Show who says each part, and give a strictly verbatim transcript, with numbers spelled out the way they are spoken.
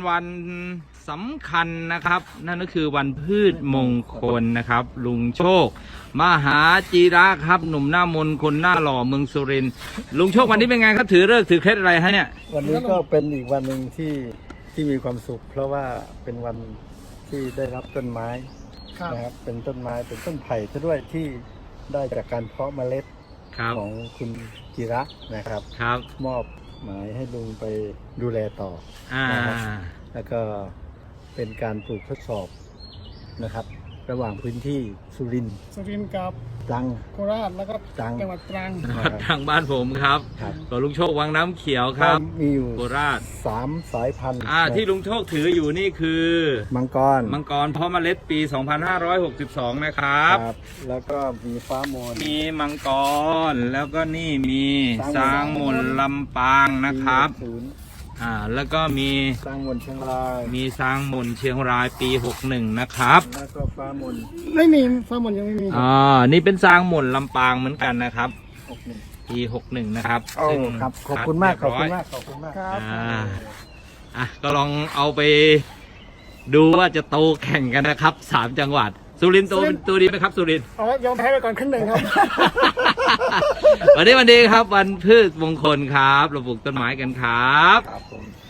Speaker 1: วันสำคัญนะครับนั่นก็คือวันพืชมงคลนะครับลุงโชคมหาจีระครับหนุ่มหน้ามนต์คนหน้าหล่อเมืองสุรินทร์ลุงโชควันนี้เป็นไงครับถือฤกษ์ถือเคล็ดอะไรฮะเนี่ย
Speaker 2: วันนี้ก็เป็นอีกวันหนึ่งที่ที่มีความสุขเพราะว่าเป็นวันที่ได้รับต้นไม้นะครับเป็นต้นไม้เป็นต้นไผ่ซะด้วยที่ได้จากการเพาะเมล็ดของคุณจิระนะครับ
Speaker 1: ครับ
Speaker 2: มอบหมายให้ลุงไปดูแลต่อ
Speaker 1: อ่า
Speaker 2: แล้วก็เป็นการปลูกทดสอบนะครับระหว่างพื้นที่สุรินทร์
Speaker 3: สุรินทร์กับ
Speaker 2: ตรัง
Speaker 3: โคราชแล้วก็จังหวัดตรัง
Speaker 1: ทางบ้านผมครับก็ลุงโชควังน้ำเขียวครับ
Speaker 2: มีอยู่
Speaker 1: โคราช
Speaker 2: สามสายพันธุ์
Speaker 1: อ่าที่ลุงโชคถืออยู่นี่คือ
Speaker 2: มังกร
Speaker 1: มังกรเพาะเมล็ดปีสองพันห้าร้อยหกสิบสองนะครับ
Speaker 2: แล้วก็มีฟ้ามน
Speaker 1: มีมังกรแล้วก็นี่มีสร้างมนลำปางนะครับอ่าแล้วก็มี
Speaker 2: สร้างมนเชียงราย
Speaker 1: มีสร้างมนเชียงรายปีหกสิบเอ็ดนะครับ
Speaker 2: แล้วก็ฟ้ามน
Speaker 3: ไม่มีฟ้ามนยังไม่มี
Speaker 1: อ่านี่เป็นสร้างมนลำปางเหมือนกันนะครับปีหกสิบเอ็ดนะครับ
Speaker 2: ซึ่งครับขอบคุณมากขอบคุณมากขอบคุณมาก
Speaker 1: ครับอ่าอ่ะก็ลองเอาไปดูว่าจะโตแข่งกันนะครับสามจังหวัดสุรินทร์โตเป็นตัวดีไหมครับสุรินทร์
Speaker 3: อ๋อยอมแพ้ไปก่อนครึ่งหนึ่งครับ
Speaker 1: วันนี้วันดีครับวันพืชมงคลครับเราปลูกต้นไม้กันครับ